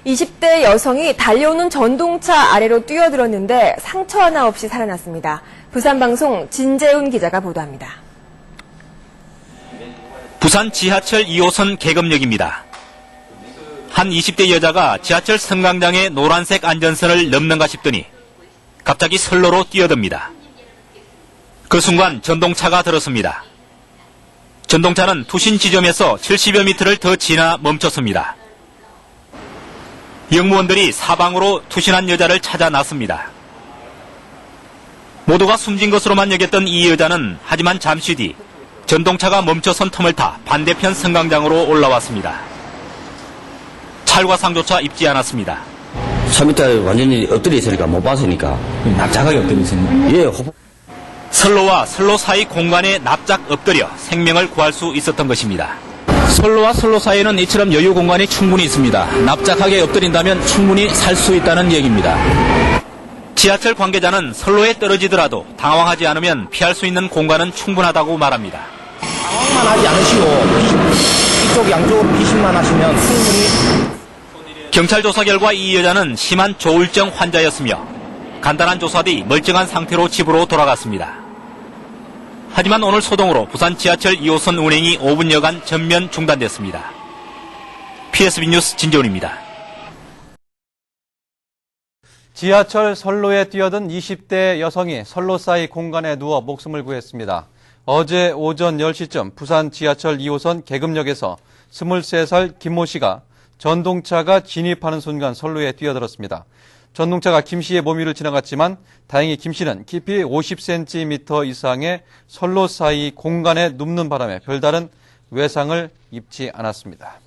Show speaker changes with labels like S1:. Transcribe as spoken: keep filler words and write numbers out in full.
S1: 이십 대 여성이 달려오는 전동차 아래로 뛰어들었는데 상처 하나 없이 살아났습니다. 부산방송 진재훈 기자가 보도합니다.
S2: 부산 지하철 이 호선 계급역입니다. 한 이십 대 여자가 지하철 승강장의 노란색 안전선을 넘는가 싶더니 갑자기 선로로 뛰어듭니다. 그 순간 전동차가 들었습니다. 전동차는 투신 지점에서 칠십여 미터를 더 지나 멈췄습니다. 영무원들이 사방으로 투신한 여자를 찾아 나섭니다. 모두가 숨진 것으로만 여겼던 이 여자는 하지만 잠시 뒤 전동차가 멈춰선 틈을 타 반대편 승강장으로 올라왔습니다. 찰과상조차 입지 않았습니다.
S3: 삼 미터 완전히 엎드려 있으니까 못 봤으니까.
S4: 납작하게 엎드려 있으니까?
S3: 예, 호흡.
S2: 선로와 선로 사이 공간에 납작 엎드려 생명을 구할 수 있었던 것입니다. 선로와 선로 사이에는 이처럼 여유 공간이 충분히 있습니다. 납작하게 엎드린다면 충분히 살 수 있다는 얘기입니다. 지하철 관계자는 선로에 떨어지더라도 당황하지 않으면 피할 수 있는 공간은 충분하다고 말합니다.
S4: 당황만 하지 않으시고 이쪽 양쪽으로 피신만 하시면 충분히.
S2: 경찰 조사 결과 이 여자는 심한 조울증 환자였으며 간단한 조사 뒤 멀쩡한 상태로 집으로 돌아갔습니다. 하지만 오늘 소동으로 부산 지하철 이 호선 운행이 오 분여간 전면 중단됐습니다. 피에스비 뉴스 진재훈입니다.
S5: 지하철 선로에 뛰어든 이십 대 여성이 선로 사이 공간에 누워 목숨을 구했습니다. 어제 오전 열 시쯤 부산 지하철 이 호선 계급역에서 스물세 살 김모 씨가 전동차가 진입하는 순간 선로에 뛰어들었습니다. 전동차가 김 씨의 몸 위를 지나갔지만 다행히 김 씨는 깊이 오십 센티미터 이상의 선로 사이 공간에 눕는 바람에 별다른 외상을 입지 않았습니다.